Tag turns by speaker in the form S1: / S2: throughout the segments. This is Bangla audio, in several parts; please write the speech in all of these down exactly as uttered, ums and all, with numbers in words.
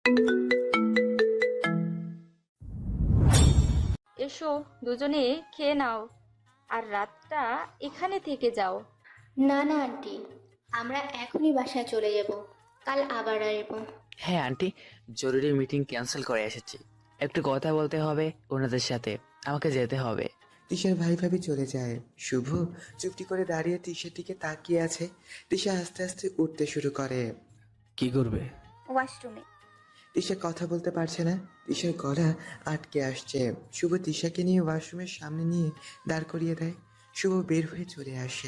S1: এসো, দুজনে খেয়ে নাও, আর রাতটা এখানে থেকে যাও।
S2: না না আন্টি, আমরা এখনই বাসায় চলে যাব, কাল আবার আসবো।
S3: হ্যাঁ আন্টি, জরুরি মিটিং ক্যান্সেল করে এসেছি, একটু কথা বলতে হবে ওনাদের সাথে, আমাকে যেতে হবে।
S4: তিশার ভাই ভাবি চলে যায়। শুভ চুপটি করে দাঁড়িয়ে তিশার দিকে তাকিয়ে আছে। তিশা আস্তে আস্তে উঠতে শুরু করে।
S5: কি করবে?
S6: ওয়াশরুমে।
S4: তিশা কথা বলতে পারছে না, তিশার গলা আটকে আসছে। শুভ তিশাকে নিয়ে ওয়াশরুমের সামনে নিয়ে দাঁড় করিয়ে দেয়। শুভ বের হয়ে চলে আসে।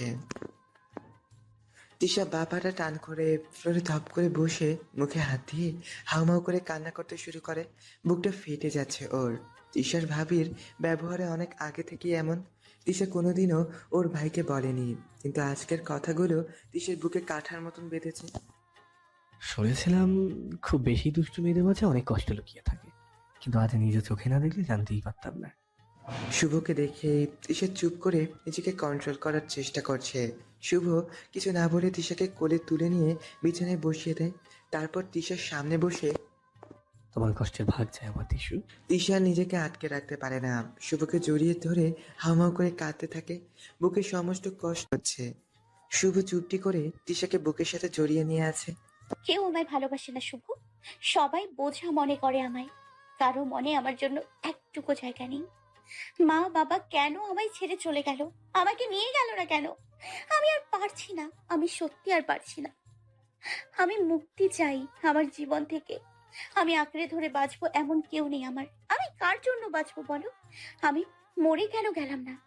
S4: তিশা বা পাটা টান করে ফ্লোরে ধপ করে বসে মুখে হাত দিয়ে হাউমাউ করে কান্না করতে শুরু করে। বুকটা ফেটে যাচ্ছে ওর। তিশার ভাবির ব্যবহারে অনেক আগে থেকেই এমন। তিশা কোনোদিনও ওর ভাইকে বলেনি, কিন্তু আজকের কথাগুলো তিশার বুকে কাঠার মতন বেঁধেছে।
S5: শুনেছিলাম খুব বেশি দুষ্টু মেয়েদের মাঝে অনেক কষ্ট লুকিয়ে থাকে, কিন্তু আজ নিজে চোখে না দেখলে জানতেই পারতাম না।
S4: শুভকে দেখে তিশা চুপ করে নিজেকে কন্ট্রোল করার চেষ্টা করছে। শুভ কিছু না বলে তিশাকে কোলে তুলে নিয়ে বিছানায় বসিয়ে দেয়। তারপর তিশার সামনে বসে
S5: তোমার কষ্টের ভাগ যায় আমার টিসু।
S4: তিশা নিজেকে আটকে রাখতে পারে না, শুভকে জড়িয়ে ধরে হাউমাউ করে কাঁদতে থাকে। বুকে সমস্ত কষ্ট হচ্ছে। শুভ চুপটি করে তিশাকে বুকের সাথে জড়িয়ে নিয়ে আছে।
S6: কেউ আমায় ভালোবাসে না শুভ, সবাই বোঝা মনে করে আমায়, কারো মনে আমার জন্য একটুকু জায়গা নেই। মা বাবা কেন আমায় ছেড়ে চলে গেল, আমাকে নিয়ে গেল না কেন? আমি আর পারছি না, আমি সত্যি আর পারছি না। আমি মুক্তি চাই আমার জীবন থেকে। আমি আঁকড়ে ধরে বাঁচবো এমন কেউ নেই আমার। আমি কার জন্য বাঁচবো বলো? আমি মরে কেন গেলাম না?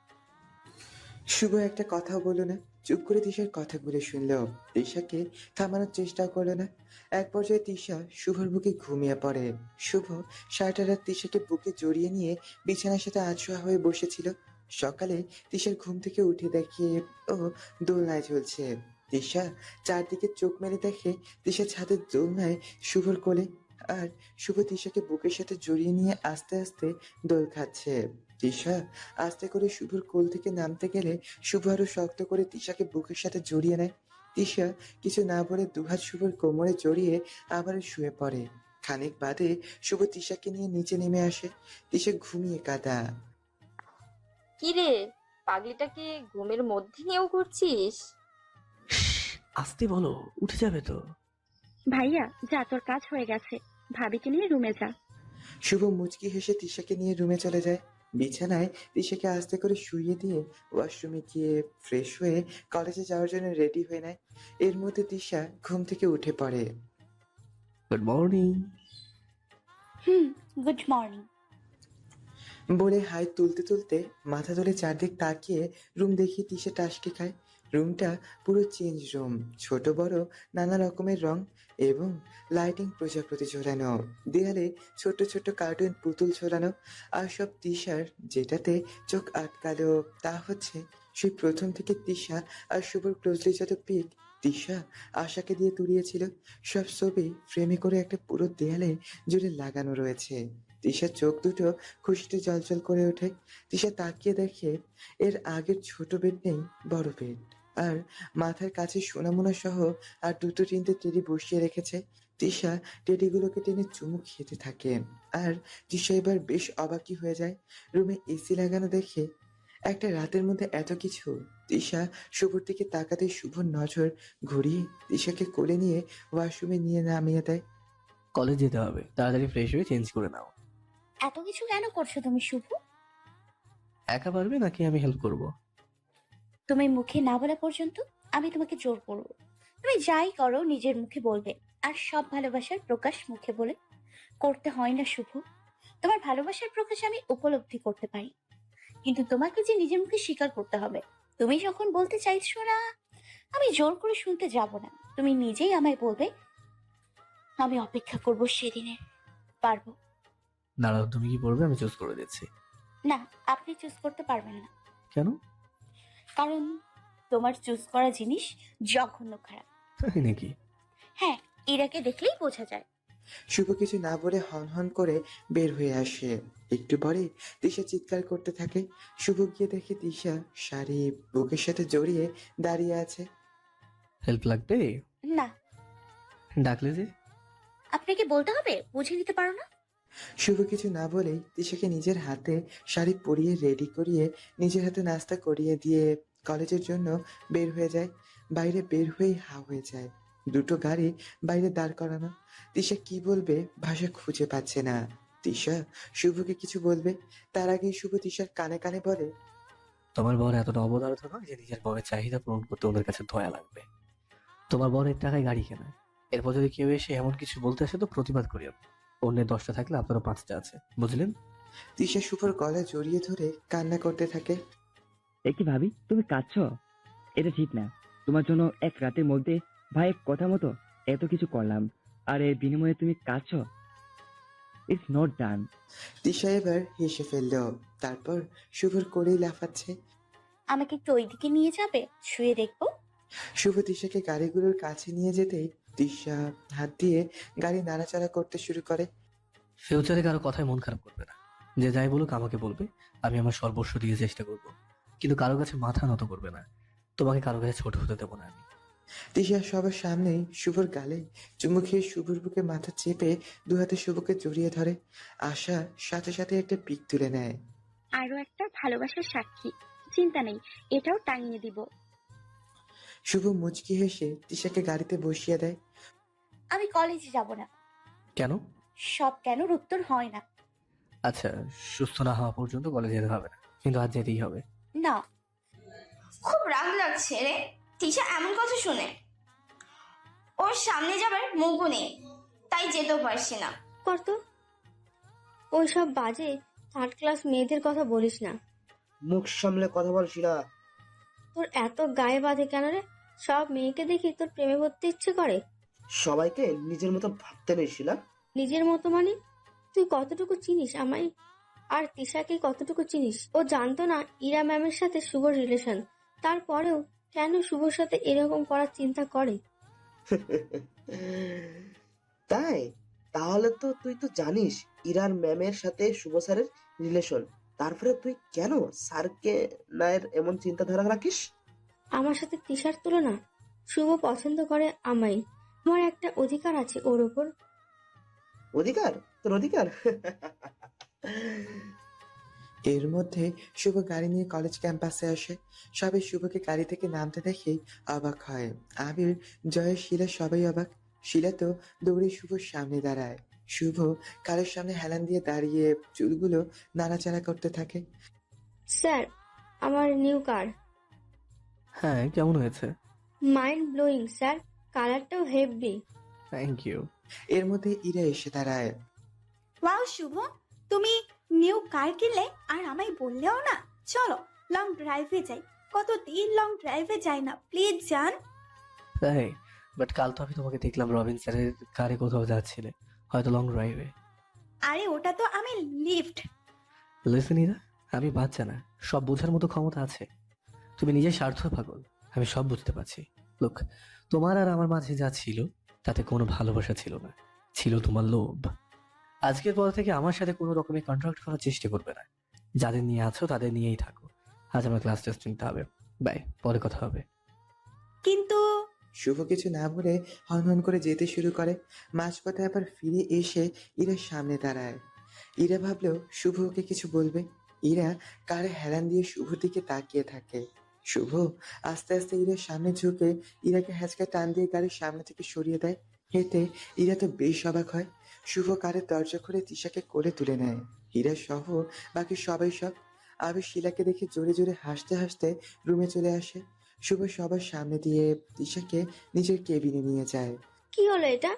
S4: শুভ একটা কথাও বলল না, চুপ করে তিশার কথাগুলো শুনল। তিশাকে থামানোর চেষ্টা করলো না। এক পর্যায়ে তিশা শুভর বুকে ঘুমিয়ে পড়ে। শুভ সারাটা রাত তিশাকে বুকে জড়িয়ে নিয়ে বিছানার সাথে আছোয়া হয়ে বসেছিল। সকালে তিশার ঘুম থেকে উঠে দেখে ও দোলনায় ঝুলছে। তিশা চারদিকে চোখ মেলে দেখে তিশা ছাদের দোলনায় শুভর কোলে, আর শুভ তিশাকে বুকের সাথে জড়িয়ে নিয়ে আস্তে আস্তে দোল খাচ্ছে। তিশা আস্তে করে শুভর কোল থেকে নামতে গেলে শুভ আরো শক্ত করে তিশাকে বুকের সাথে জড়িয়ে নেয়। তিশা কিছু না বলে দুহাত শুভর কোমরে জড়িয়ে আবার শুয়ে পড়ে। খানিক বাদে শুভ তিশাকে নিয়ে নিচে নেমে আসে। তিশা ঘুমিয়ে কাঁদা।
S1: কি রে, পাগলিটাকে ঘুমের মধ্যে নিয়েও ঘুরছিস?
S5: আসতে বলো, উঠে যাবে তো।
S6: ভাইয়া যা, তোর কাজ হয়ে গেছে, ভাবিকে নিয়ে রুমে যা।
S4: শুভ মুচকি হেসে তিশাকে নিয়ে রুমে চলে যায়। বিছানায় তিশাকে আস্তে করে শুইয়ে দিয়ে ওয়াশরুমে গিয়ে ফ্রেশ হয়ে কলেজে যাওয়ার জন্য রেডি হয়ে নেয়। এর মধ্যে তিশা ঘুম থেকে উঠে পড়ে।
S5: Good morning.
S6: হুম, গুড মর্নিং।
S4: বলে হাই তুলতে তুলতে মাথা তুলে চারদিক তাকিয়ে রুম দেখি তিশা টাসকি খায়। রুমটা পুরো চেঞ্জ রুম, ছোট বড় নানা রকমের রং এবং লাইটিং প্রজাপতি ঝোলানো। দেয়ালে ছোট ছোট কার্টুন পুতুল ঝোলানো। আর সব তিশার যেটাতে চোখ আটকালো তা হচ্ছে সেই প্রথম থেকে তিশা আর শুভর ক্লোজলি যত পিক তিশা আশাকে দিয়ে তুলিয়েছিল, সব ছবি ফ্রেমে করে একটা পুরো দেয়ালে জুড়ে লাগানো রয়েছে। তিশার চোখ দুটো খুশিতে জলজল করে ওঠে। তিশা তাকিয়ে দেখে এর আগের ছোট বেড নেই, বড় বেড, আর মাথার কাছে সোনামোনা সহ আর দুটো তিনটে টেডি বসিয়ে রেখেছে। তিশা টেডিগুলোকে টেনে চুমু খেতে থাকে। আর তিশা এবার বেশ অবাকই হয়ে যায়। রুমে এসি লাগানো দেখে একটা রাতের মধ্যে এত কিছু। তিশা শুভর দিকে তাকাতে শুভর নজর ঘুরিয়ে তিশাকে কোলে নিয়ে ওয়াশরুমে নিয়ে নামিয়ে দেয়।
S5: কলেজ যেতে হবে, তাড়াতাড়ি ফ্রেশ হয়ে চেঞ্জ করে নাও।
S6: এত কিছু কেন করছো তুমি শুভ?
S5: একা পারবে নাকি আমি হেল্প করব?
S6: তুমি মুখে না বলা পর্যন্ত আমি তোমাকে জোর করবো? তুমি যাই করো নিজের মুখে বলবে, আর সব ভালোবাসার প্রকাশ মুখে বলে করতে হয় না শুভ। তোমার ভালোবাসার প্রকাশ আমি উপলব্ধি করতে পারি, কিন্তু তোমাকে যে নিজের মুখে স্বীকার করতে হবে। তুমি যখন বলতে চাইছো না, আমি জোর করে শুনতে যাব না। তুমি নিজেই আমায় বলবে, আমি অপেক্ষা করব সেদিনের। পারবো?
S5: দাঁড়াও, তুমি কি পড়বে আমি চুজ করে দিচ্ছি।
S6: না, আপনি চুজ করতে পারবেন না,
S5: কেন?
S6: কারণ তোমার চুজ করা জিনিস জঘন্য খারাপ।
S5: তাই নাকি?
S6: হ্যাঁ, ইরাকে দেখলেই বোঝা যায়।
S4: শুভ কিছু না বলে হন হন করে বের হয়ে আসে। একটু পরে তিশা চিৎকার করতে থাকে। শুভ গিয়ে দেখে তিশা শাড়ি বুকের সাথে জড়িয়ে দাঁড়িয়ে আছে।
S5: হেল্প লাগবে?
S6: না।
S5: ডাকলে যে?
S6: আপনাকে বলতে হবে? বুঝে নিতে পারো না?
S4: শুভ কিছু না বলেই তিশাকে নিজের হাতে শাড়ি পরিয়ে রেডি করিয়ে নিজের হাতে নাস্তা করিয়ে দিয়ে কলেজের জন্য বের হয়ে যায়। বাইরে বের হয়েই হা হয়ে যায়। দুটো গাড়ি বাইরে দাঁড় করানো। তিশা কি বলবে ভাষা খুঁজে পাচ্ছে না। তিশা শুভকে কিছু বলবে, তার আগেই শুভ তিশার কানে কানে বলে,
S5: তোমার বর এতটা অবদারতা নয় যে নিজের বরের চাহিদা পূরণ করতে ওদের কাছে দয়া লাগবে। তোমার বরের টাকায় গাড়ি কেনা, এরপর যদি কেউ এসে এমন কিছু বলতে আসে তো প্রতিবাদ করিও না। অন্যের দশটা থাকলে আপনারও পাঁচটা আছে, বুঝলেন?
S4: তিশা শুভর গলা জড়িয়ে ধরে কান্না করতে থাকে।
S7: এ কি ভাবি, তুমি কাঁদছো? এটা ঠিক না। তোমার জন্য এক রাতের মধ্যে ভাইয়ের কথা মতো এত কিছু করলাম, আর এর বিনিময়ে তুমি কাঁদছো? It's not done.
S4: তিশা এবার হেসে ফেলল, তারপর শুভর কোলেই লাফাচ্ছে।
S6: আমাকে একটু ওইদিকে নিয়ে যাবে? শুয়ে দেখবো।
S4: শুভ তিশাকে গাড়িগুলোর কাছে নিয়ে যেতেই তিশা হাত দিয়ে গাড়ি নাড়াচাড়া করতে শুরু করে।
S5: ফিউচারে কারো কথায় মন খারাপ করবে না। যে যাই বলুক আমাকে বলবে, আমি আমার সর্বস্ব দিয়ে চেষ্টা করব, কিন্তু কারো কাছে মাথা নত করবে না। তোমাকে কারো কাছে ছোট হতে দেবো না আমি।
S4: তিশা সবার সামনেই শুভর গালে চুমু খেয়ে শুভর বুকে মাথা চেপে দু হাতে শুভকে জড়িয়ে ধরে। আশা সাথে সাথে একটা পিক তুলে নেয়।
S8: আরো একটা ভালোবাসার সাক্ষী, চিন্তা নেই, এটাও টাঙিয়ে দিব।
S4: শুভ মুচকি হেসে তিশাকে গাড়িতে বসিয়ে দেয়।
S6: আমি কলেজে যাব না।
S5: কেন?
S6: সব কেনর উত্তর হয় না।
S5: আচ্ছা, সুস্থ না হওয়া পর্যন্ত কলেজে যেতে হবে না, কিন্তু আজ যেতেই হবে।
S6: না।
S9: খুব রাগ লাগছে রে তিশা এমন কথা শুনে। ওর সামনে যাবার মুখও নেই, তাই যেতেও পারছি না।
S10: করতো ওইসব বাজে থার্ড ক্লাস মেয়েদের কথা বলিস না।
S11: মুখ সামলে কথা বল শিলা।
S10: তোর এত গায়ে বাঁধে কেন রে? সব মেয়েকে দেখি তোর প্রেমে পড়তে ইচ্ছে করে।
S11: সবাইকে নিজের মতো ভাবতে নেই শিলা।
S10: নিজের মতো মানে? তুই কতটুকু চিনিস আমায়? আর তিশাকে কতটুকু চিনিস? ও জানতো না ইরা ম্যামের সাথে শুভর রিলেশন, তারপরেও কেন শুভর সাথে এরকম করার চিন্তা করে?
S11: তাই? তাহলে তো তুই তো জানিস ইরার ম্যামের সাথে শুভ স্যারের রিলেশন, তারপরে তুই কেন স্যারকে নায়ের এমন চিন্তাধারা রাখিস?
S10: আমার সাথে তিশার তুলনা? শুভ পছন্দ করে আমায়, আমার একটা অধিকার আছে ওর ওপর।
S11: অধিকার? তোর অধিকার?
S4: এর মধ্যে শুভ গাড়ি নিয়ে কলেজ ক্যাম্পাসে আসে। সবাই শুভকে গাড়ি থেকে নামতে দেখেই অবাক হয়। আবির, জয়, শিলা সবাই অবাক। শিলা তো দৌড়ে শুভর সামনে দাঁড়ায়। শুভ কারের সামনে হেলান দিয়ে দাঁড়িয়ে চুলগুলো নাড়াচাড়া করতে থাকে।
S10: স্যার, আমার নিউ কার।
S5: হ্যাঁ, কেমন হয়েছে?
S10: মাইন্ড ব্লোয়িং স্যার, কালারটাও হেভি।
S5: Thank you.
S4: এর মধ্যে ইরা এসে দাঁড়ায়।
S12: ওয়াও শুভ, তুমি নিউ কার কিনলে আর আমায় বললেও না। চলো লং ড্রাইভে যাই, কতদিন লং ড্রাইভে যাই না, প্লিজ যান।
S5: তাই? বাট কাল তো আমি তোমাকে দেখলাম রবিন স্যারের কারে কোথাও যাচ্ছিলে, হয়তো লং ড্রাইভে।
S12: আরে ওটা তো আমি লিফট।
S5: লিসেন ইরা, আমি বাচ্চা না, সব বোঝার মতো ক্ষমতা আছে। তুমি নিজের স্বার্থ পাগল, আমি সব বুঝতে পারছি। লোক, তোমার আর আমার মাঝে যা ছিল তাতে কোনো ভালোবাসা ছিল না, ছিল তোমার লোভ। আজকের পর থেকে আমার সাথে কোনো রকমের কন্ট্রাক্ট করার চেষ্টা করবে না। যাদের নিয়ে আছো তাদের নিয়েই থাকো। আজ আমার ক্লাস টেস্ট নিতে হবে, বাই, পরে কথা হবে।
S12: কিন্তু
S4: শুভ কিছু না বলে হন হন করে যেতে শুরু করে। মাঝপথে আবার ফিরে এসে ইরার সামনে দাঁড়ায়। ইরা ভাবলেও শুভ ওকে কিছু বলবে। ইরা কারে হেলান দিয়ে শুভর দিকে তাকিয়ে থাকে। শুভ আস্তে আস্তে ইরার সামনে ঝুঁকে ইরাকে হ্যাচকা টান দিয়ে গাড়ির সামনে থেকে সরিয়ে দেয়। এতে ইরা তো বেশ অবাক হয়। শুভ কারের দরজা খুলে তিশাকে কোলে তুলে নেয়। ইরা সহ বাকি সবাই সব। আবির শিলাকে দেখে জোরে জোরে হাসতে হাসতে রুমে চলে আসে। শুভ সবার সামনে দিয়ে তিশাকে নিজের কেবিনে নিয়ে যায়।
S10: কি হলো এটা?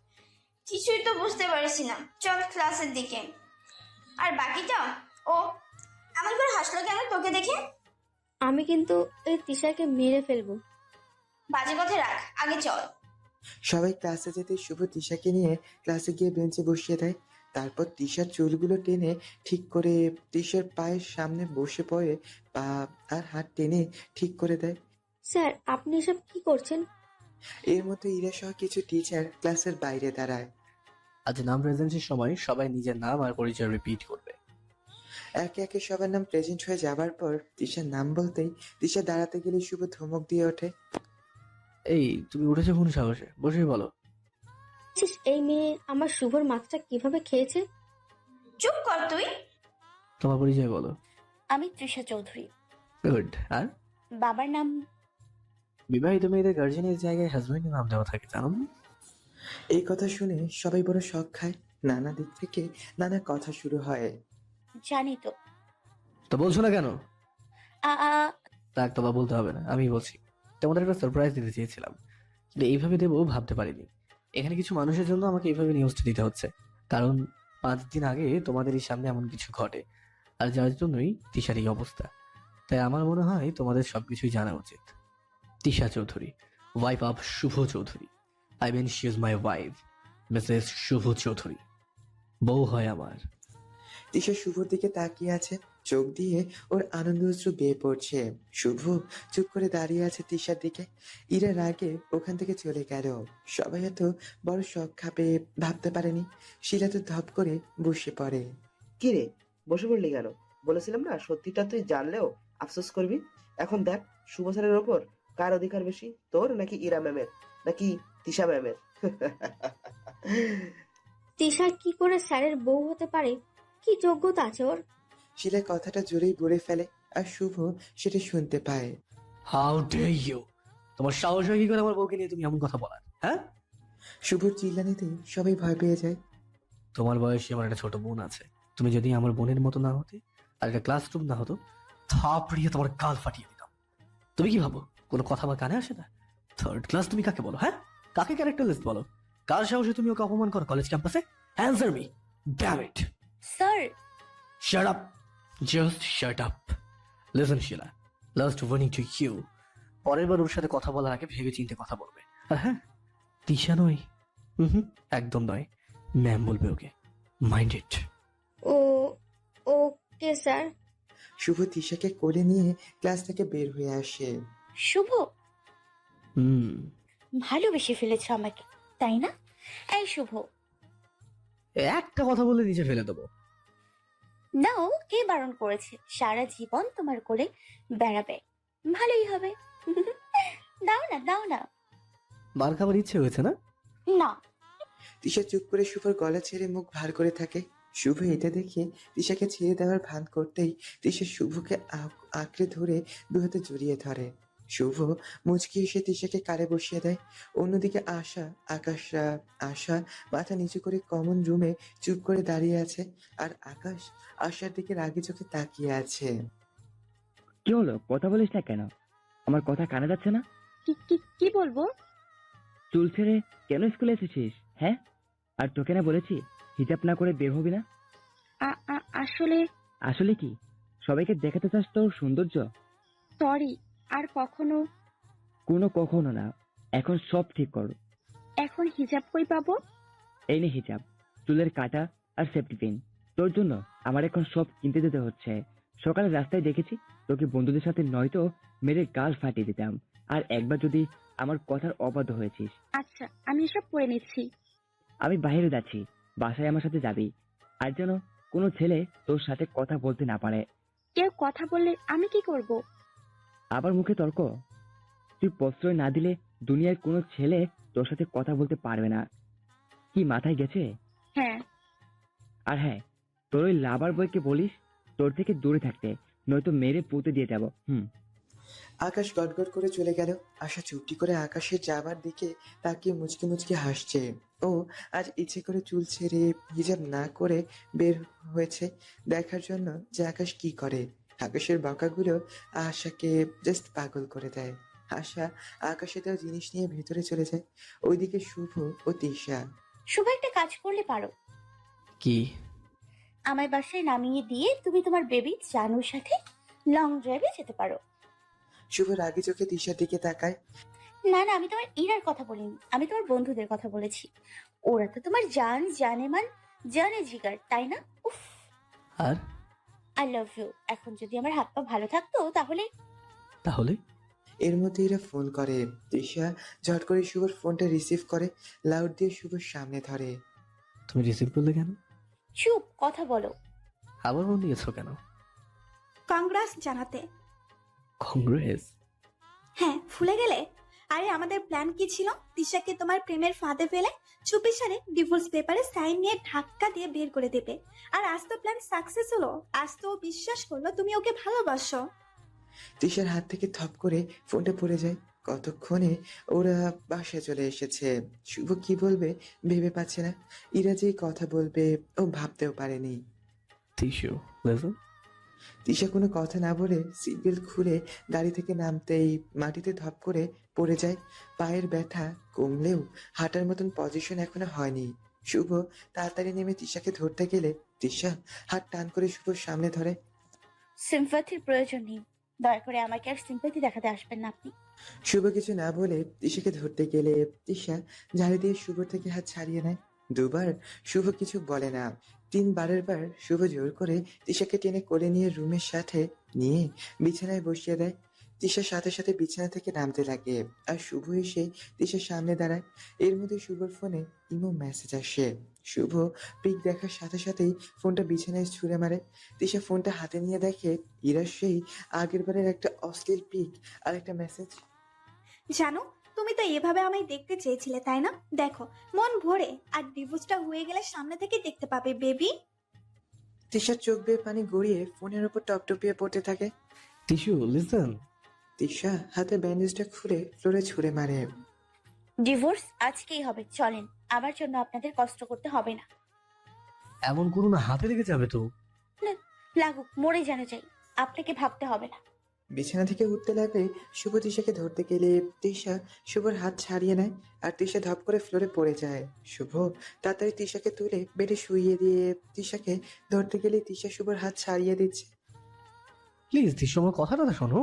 S9: কিছুই তো বুঝতে পারছি না, চল ক্লাসের দিকে। আর বাকিটা ও এমন করে হাসলো কেন তোকে দেখে?
S10: আমি কিন্তু এই তিশাকে মেরে ফেলবো।
S9: বাজে কথা রাখ, আগে চল।
S4: সবাই ক্লাসে যেতে শুভ তিশাকে নিয়ে ক্লাসে গিয়ে বেঞ্চে বসিয়ে দেয়। তারপর তিশার চুলগুলো টেনে ঠিক করে তিশার পায়ের সামনে বসে পড়ে পা আর হাত টেনে ঠিক করে দেয়।
S10: স্যার, আপনি এসব কি করছেন?
S4: এর মধ্যে ইরা সহ কিছু টিচার ক্লাসের বাইরে দাঁড়ায়।
S5: আজ নাম প্রেজেন্টের সময় সবাই নিজের নাম আর পরিচয় রিপিট করবে।
S4: একে একে সবার নাম প্রেজেন্ট হয়ে যাবার পর তিশার নাম বলতেই তিশা দাঁড়াতে গেলে শুভ ধমক দিয়ে ওঠে।
S5: এই, তুমি উঠেছো কোন সাহসে? বসে বলো।
S10: দেখছিস এই মেয়ে আমার শুভর মাথাটা কিভাবে খেয়েছে?
S9: চুপ কর তুই।
S5: তোমার পরিচয় বলো।
S6: আমি তৃষা চৌধুরী।
S5: গুড। আর
S6: বাবার নাম?
S5: বিবাহিত মেয়েদের গার্জেনের জায়গায় হাজবেন্ডের নাম দেওয়া থাকে, জানো না?
S4: এই কথা শুনে সবাই বড় শখ খায়। নানা দিক থেকে নানা কথা শুরু হয়।
S6: জানি তো।
S5: তো বলছো না কেন?
S6: আ আ
S5: তাক তোমার বলতে হবে না, আমি বলছি। তোমাদের একটা সারপ্রাইজ দিতে চেয়েছিলাম, কিন্তু এইভাবে দেবো ভাবতে পারিনি। এখানে কিছু মানুষের জন্য আমাকে এইভাবে নিউজটা দিতে হচ্ছে, কারণ পাঁচ দিন আগে তোমাদের এই সামনে এমন কিছু ঘটে, আর যার জন্যই তিশার এই অবস্থা। তাই আমার মনে হয় তোমাদের সবকিছুই জানা উচিত। Tisha Chowdhury, wife of Shubho Chowdhury. I mean she is my wife, Mrs Shubho Chowdhury. বউ হয় আমার।
S4: তিশা শুভর দিকে তাকিয়ে আছে, চোখ দিয়ে ওর আনন্দ অশ্রু বেয়ে পড়ছে। শুভ চুপ করে দাঁড়িয়ে আছে তিশার দিকে। ইরা রাগে ওখান থেকে চলে গেল। সবাই এত বড় শখ খাবে ভাবতে পারেনি। শিলা তো ধপ করে বসে পড়ে।
S11: কি রে, বসে পড়লি কেন? বলেছিলাম না সত্যিটা তুই জানলেও আফসোস করবি। এখন দেখ শুভ স্যারের ওপর কার অধিকার বেশি, তোর নাকি ইরা ম্যামের নাকি তিশা ম্যামের?
S10: তিশা কি করে স্যারের বউ হতে পারে? কি যোগ্যতা আছে ওর?
S4: শিলা কথাটা জোরেই বলে ফেলে, আর শুভ সেটা শুনতে পায়।
S5: How dare you! তোমার সাহস হয় কি করে আমার বউকে নিয়ে তুমি এমন কথা বলার? হ্যাঁ,
S4: শুভর চিল্লানিতে সবাই ভয় পেয়ে যায়।
S5: তোমার বয়সে আমার একটা ছোট বোন আছে। তুমি যদি আমার বোনের মতো না হতে, আর একটা ক্লাসরুম না হতো, থাপড়িয়ে তোমার গাল ফাটিয়ে দিতাম। তুমি কি ভাবো কোনো কথা আমার কানে আসে না? থার্ড ক্লাস তুমি কাকে বলো? হ্যাঁ, কাকে ক্যারেক্টার লিস্ট বলো? কার সাহসে তুমি ওকে অপমান করো কলেজ ক্যাম্পাসে? Answer me, damn it!
S6: Sir,
S5: shut up, just shut up. Listen Sheela, last warning to you, পরের বার ওর সাথে কথা বলার আগে ভেবে চিন্তে কথা বলবে। আর হ্যাঁ, তিশা নয়, হুম একদম নয়, ম্যাম বলবে ওকে। Mind it.
S10: O okay sir.
S4: শুভ তিশাকে কোলে নিয়ে ক্লাস থেকে বের হয়ে আসে।
S6: শুভ
S5: হুম,
S6: ভালোবেসে ফেলেছ আমাকে, তাই না? এই শুভ,
S5: একটা কথা বলে নিচে ফেলে দেবো।
S6: নাও, কে বারণ করেছে? সারা জীবন তোমার কোলে বেড়াবে, ভালোই হবে। দাও না, দাও না।
S5: মার খাবার ইচ্ছে হয়েছে না?
S6: না।
S4: তিশা চুপ করে শুভর গলা ছেড়ে মুখ ভার করে থাকে। শুভ এটা দেখে তিশাকে ছেড়ে দেওয়ার ভান করতেই তিশা শুভকে আ- আঁকড়ে ধরে দু হাতে জড়িয়ে ধরে। শুভ মুচকি এসে তিশাকে কারে বসিয়ে দেয়। অন্যদিকে আশা আকাশরা আশা মাথা নিচু করে কমন রুমে চুপ করে দাঁড়িয়ে আছে, আর আকাশ আশার দিকে রাগি চোখে তাকিয়ে আছে।
S7: কি হলো, কথা বলিস না কেন? আমার কথা কানে যাচ্ছে না?
S8: কি কি কি বলবো?
S7: চুল ছেড়ে কেন স্কুলে এসেছিস? হ্যাঁ, আর তোকে না বলেছি হিজাব না করে বের হবি না?
S8: আ- আ- আসলে
S7: আসলে কি, সবাইকে দেখাতে চাস তোর সৌন্দর্য?
S8: সরি, আর কখনো।
S7: কোনো কখনো না, এখন সব ঠিক কর।
S8: এখন হিজাব কই পাবো?
S7: এই নে হিজাব, চুলের কাটা আর সেফটি পিন। তোর জন্য আমার এখন সব কিনতে যেতে হচ্ছে। সকালে রাস্তায় দেখেছি তোকে বন্ধুদের সাথে নয়তো মেরে গাল ফাটিয়ে দিতাম, আর একবার যদি আমার কথার অবাধ্য হয়েছিস।
S8: আচ্ছা, আমি এসব পরে নিচ্ছি।
S7: আমি বাইরে যাচ্ছি, বাসায় আমার সাথে যাবি। আর যেন কোনো ছেলে তোর সাথে কথা বলতে না পারে।
S8: কেউ কথা বললে আমি কি করব?
S7: আবার মুখে তর্ক? তুই প্রশ্রয় না দিলে দুনিয়ার কোনো ছেলে তোর সাথে কথা বলতে পারবে না। কি মাথায় গেছে?
S8: হ্যাঁ।
S7: আর হ্যাঁ, তোর ওই লাভার বয়কে বলিস তোর থেকে দূরে থাকতে, নয়তো মেরে পুঁতে দিয়ে যাবো। হুম।
S4: আকাশ গটগট করে চলে গেল। আশা চুপটি করে আকাশের যাবার দিকে তাকিয়ে মুচকি মুচকি হাসছে। ও আজ ইচ্ছে করে চুল ছেড়ে হিজাব না করে বের হয়েছে দেখার জন্য যে আকাশ কি করে। আকাশের বাঁকাগুলো আশাকে জাস্ট পাগল করে দেয়। আশা আকাশে দেওয়া জিনিস নিয়ে ভেতরে চলে যায়। ওইদিকে শুভ ও তিশা।
S6: শুভ, একটা কাজ করলে পারো।
S5: কি?
S6: আমায় বাসায় নামিয়ে দিয়ে তুমি তোমার বেবি জানুর সাথে লং ড্রাইভে যেতে পারো।
S4: শুভ রাগি চোখে তিশার দিকে তাকায়।
S6: না না, আমি তোমার ইরার কথা বলিনি, আমি তোমার বন্ধুদের কথা বলেছি। ওরা তো তোমার জান জানে মান জানে জিগার, তাই না? উফ,
S5: আর
S6: আই লাভ ইউ। এখন যদি আমার হাত পা ভালো থাকতো তাহলে।
S5: তাহলে
S4: এর মধ্যে এরা ফোন করে। তিশা ঝট করে শুভর ফোনটা রিসিভ করে লাউড দিয়ে শুভর সামনে ধরে।
S5: তুমি রিসিভ করলে কেন?
S6: চুপ, কথা বলো।
S5: আবার ফোন দিয়েছো কেন?
S12: কংগ্রেস জানাতে।
S5: কংগ্রেস?
S12: হ্যাঁ, ভুলে গেলে? আরে আমাদের প্ল্যান কি ছিল? তিশাকে তোমার প্রেমের ফাঁদে ফেলে চুপিসারে ডিভোর্স পেপারে সাইন নিয়ে ধাক্কা দিয়ে বের করে দেবে। আর আজ তো প্ল্যান সাকসেস হলো। আজ তো ও বিশ্বাস করলো তুমি ওকে ভালোবাসো।
S4: তিশার হাত থেকে থপ করে ফোনটা পড়ে যায়। কতক্ষণে ওরা বাসায় চলে এসেছে। শুভ কি বলবে ভেবে পাচ্ছে না। ইরা যে কথা বলবে ও ভাবতেও পারেনি।
S5: Tissue listen.
S4: তিশা কোনো কথা না বলে সিট বেল্ট খুলে গাড়ি থেকে নামতেই মাটিতে ধপ করে পড়ে যায়। পায়ের ব্যথা কমলেও হাঁটার মতন পজিশন এখনো হয়নি। শুভ তাড়াতাড়ি নেমে তিশাকে ধরতে গেলে তিশা হাত টান করে শুভর সামনে ধরে।
S6: সিম্পাথির প্রয়োজন নেই, দয়া করে আমাকে আর সিম্পাথি দেখাতে আসবেন না আপনি।
S4: শুভ কিছু না বলে তিশাকে ধরতে গেলে তিশা ঝাড়ি দিয়ে শুভর থেকে হাত ছাড়িয়ে নেয়। দুবার শুভ কিছু বলে না। তিনবারের বার শুভ জোর করে তিশাকে টেনে কোলে নিয়ে রুমের সাথে নিয়ে বিছানায় বসিয়ে দেয়। তিশার সাথে সাথে বিছানা থেকে নামতে লাগে আর শুভ এসে তিশার সামনে দাঁড়ায়। এর মধ্যে শুভর ফোনে ইমো মেসেজ আসে। শুভ পিক দেখার সাথে সাথেই ফোনটা বিছানায় ছুঁড়ে মারে। তিশা ফোনটা হাতে নিয়ে দেখে ইরার সেই আগের বারের একটা অশ্লীল পিক আর একটা মেসেজ।
S12: জানো, তুমি তো এভাবে আমায় দেখতে চেয়েছিলে তাই না? দেখো মন ভরে। আর ডিভোর্সটা হয়ে গেলে সামনে থেকে দেখতে পাবে বেবি।
S4: তিশার চোখ বেয়ে পানি গড়িয়ে ফোনের উপর টপটপিয়ে পড়তে থাকে।
S5: Tissue listen.
S4: তিশা হাতে ব্যান্ডেজটা খুলে ফ্লোরে ছুঁড়ে মারে।
S6: ডিভোর্স আজকেই হবে, চলেন। আমার জন্য আপনাদের কষ্ট করতে হবে না।
S5: এমন করো না, হাতে লেগে যাবে তো।
S6: না, লাগুক, মরে যেন যাই, আপনাকে ভাবতে হবে না।
S4: বিছানা থেকে উঠতে লাগলে শুভ তিশাকে ধরতে গেলে তিশা শুভর হাত ছাড়িয়ে নেয় আর তিশা ধপ করে ফ্লোরে পড়ে যায়। শুভ তাড়াতাড়ি তিশাকে তুলে বেডে শুইয়ে দিয়ে তিশাকে ধরতে গেলে তিশা শুভর হাত ছাড়িয়ে দিচ্ছে।
S5: প্লিজ টিস্যু, আমার কথাটা তো শোনো।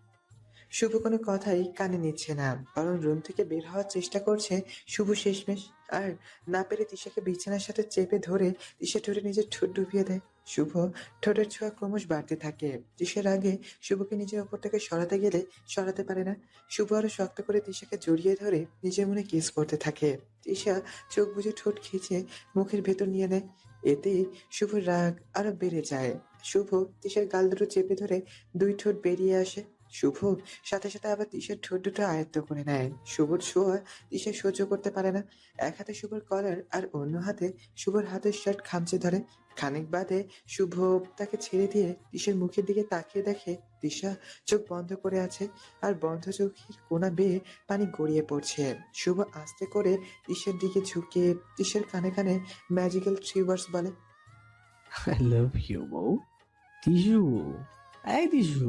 S4: শুভ কোনো কথাই কানে নিচ্ছে না, বরং রুম থেকে বের হওয়ার চেষ্টা করছে শুভ শেষমেশ। আর না পেরে তিশাকে বিছানার সাথে চেপে ধরে তিশা ঠোঁটে নিজের ঠোঁট ডুবিয়ে দেয়। শুভ ঠোঁটের ছোঁয়া ক্রমশ বাড়তে থাকে। তিশার আগে শুভকে নিজের ওপর থেকে সরাতে গেলে সরাতে পারে না। শুভ আরো শক্ত করে তিশাকে জড়িয়ে ধরে নিজের মনে কিস করতে থাকে। তিশা চোখ বুজে ঠোঁট খিঁচে মুখের ভেতর নিয়ে নেয়। এতে শুভর রাগ আরো বেড়ে যায়। শুভ তিশার গাল দুটো চেপে ধরে দুই ঠোঁট বেরিয়ে আসে। শুভ সাথে সাথে আবার তিশার ঠোঁট দুটো আয়ত্ত করে নেয়। শুভর ছোঁয়া তিশা সহ্য করতে পারে না। এক হাতে শুভর কলার আর অন্য হাতে শুভর হাতের শার্ট খামচে ধরে। খানিক বাদে শুভ তাকে ছেড়ে দিয়ে তিশার মুখের দিকে তাকিয়ে দেখে তিশা চোখ বন্ধ করে আছে আর বন্ধ চোখের কোনা বেয়ে পানি গড়িয়ে পড়ছে। শুভ আস্তে করে তিশার দিকে ঝুঁকে তিশার কানে কানে ম্যাজিক্যাল থ্রি ওয়ার্ডস বলে।
S5: আই লাভ ইউ বউ। টিস্যু, এই টিস্যু।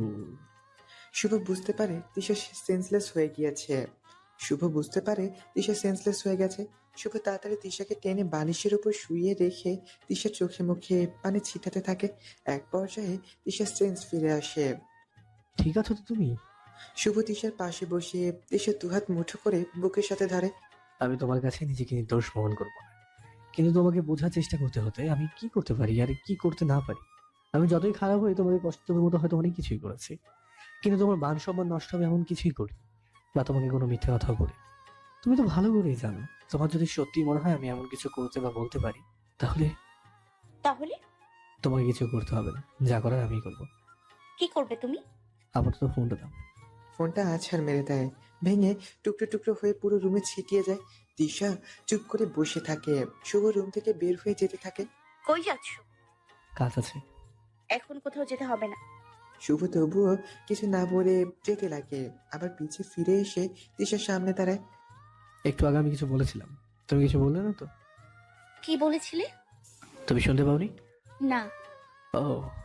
S4: শুভ বুঝতে পারে তিশা সেন্সলেস হয়ে গিয়েছে। শুভ বুঝতে পারে তিশা সেন্সলেস হয়ে গেছে। শুভ তাড়াতাড়ি তিশাকে টেনে বালিশের উপর শুইয়ে রেখে তিশার চোখে মুখে পানি ছিটাতে থাকে। এক পর্যায়ে তিশার সেন্স ফিরে আসে।
S5: ঠিক আছো তো তুমি?
S4: শুভ তিশার পাশে বসে তিশার দুহাত মুঠো করে বুকের সাথে ধরে।
S5: আমি তোমার কাছে নিজেকে নির্দোষ প্রমাণ করবো না, কিন্তু তোমাকে বোঝার চেষ্টা করতে হতে আমি কি করতে পারি আর কি করতে না পারি। আমি যতই খারাপ হই তোমাকে কষ্ট দেওয়ার মতো হয়তো অনেক কিছুই করেছি, কিন্তু তোমার মান সম্মান নষ্ট হবে এমন কিছুই করি বা তোমাকে কোনো মিথ্যে কথা বলি। তুমি তো ভালো করেই জানো, তোমার যদি সত্যি মনে হয় আমি এমন কিছু করতে বা বলতে পারি তাহলে
S6: তাহলে
S5: তোমাকে কিছু করতে হবে না, যা করার আমি করবো।
S6: কি করবে তুমি?
S5: আপাতত ফোনটা দাও।
S4: ফোনটা আছাড় মেরে দেয়, ভেঙে টুকরো টুকরো হয়ে পুরো রুমে ছিটিয়ে যায়। তিশা চুপ করে বসে থাকে। শুভ রুম থেকে বের হয়ে যেতে থাকে।
S6: কই যাচ্ছ?
S5: কাজ আছে।
S6: এখন কোথাও যেতে হবে না।
S4: শুভ তবুও কিছু না বলে যেতে লাগে, আবার পিছে ফিরে এসে তিশার সামনে দাঁড়ায়।
S5: একটু আগে আমি কিছু বলেছিলাম, তুমি কিছু বললে না তো?
S6: কি বলেছিলে?
S5: তুমি শুনতে পাওনি?
S6: না।
S5: ও,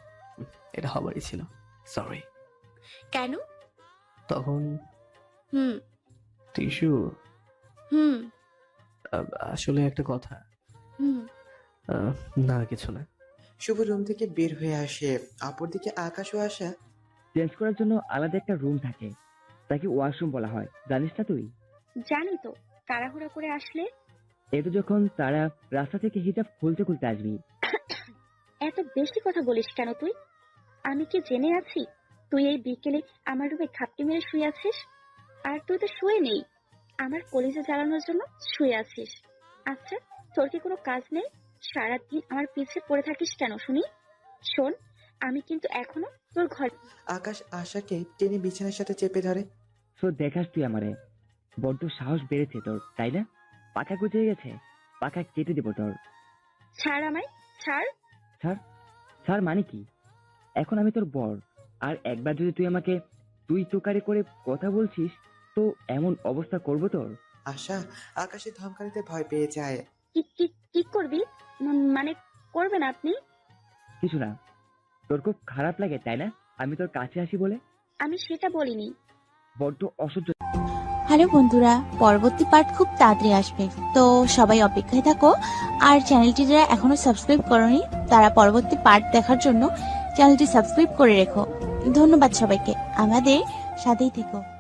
S5: এটা হবারই ছিল, সরি।
S6: কেন?
S5: তখন
S6: হুম
S5: টিস্যু,
S6: হুম
S5: আসলে একটা কথা।
S6: হুম
S5: আহ, না কিছু না।
S4: শুভ রুম থেকে বের হয়ে আসে। অপরদিকে আকাশও আসা।
S7: চেঞ্জ করার জন্য আলাদা একটা রুম থাকে, তাকে ওয়াশরুম বলা হয়, জানিস না তুই?
S8: জানি তো, তাড়াহুড়া করে আসলে।
S7: এতো যখন তারা রাস্তা থেকে হিজাব খুলতে খুলতে আসবি।
S8: এত বেশি কথা বলিস কেন তুই? আমি কি জেনে আছি তুই এই বিকেলে আমার রুমে খাপটি মেরে শুয়ে আছিস? আর তুই তো শুয়ে নেই, আমার কলিজা জ্বালানোর জন্য শুয়ে আছিস। আচ্ছা, তোর কি কোনো কাজ নেই? সারাদিন আমার পিছে পড়ে থাকিস কেন শুনি? শোন, আমি কিন্তু এখনো তোর ঘর।
S4: আকাশ আশাকে টেনে বিছানার সাথে চেপে ধরে।
S7: তো দেখাস তুই আমারে, বড্ড সাহস বেড়েছে তোর, তাই না? পাখা গুছিয়ে গেছে, পাখা কেটে দেবো তোর।
S8: ছাড় আমায়, ছাড়।
S7: স্যার, স্যার মানে কি? এখন আমি তোর বর, আর একবার যদি তুই আমাকে তুই তোকারি করে কথা বলছিস, তো এমন অবস্থা করবো তোর।
S4: আশা আকাশে ধমকানিতে ভয় পেয়ে যায়।
S8: কি কি কি করবি? উম, মানে করবেন আপনি?
S7: কিছু না। তোর খুব খারাপ লাগে তাই না আমি তোর কাছে আসি বলে?
S8: আমি সেটা বলিনি।
S7: বড্ড অসহ্য।
S6: হ্যালো বন্ধুরা, পরবর্তী পার্ট খুব তাড়াতাড়ি আসবে, তো সবাই অপেক্ষায় থাকো। আর চ্যানেলটি যারা এখনো সাবস্ক্রাইব করোনি তারা পরবর্তী পার্ট দেখার জন্য চ্যানেলটি সাবস্ক্রাইব করে রেখো। ধন্যবাদ সবাইকে, আমাদের সাথেই থেকো।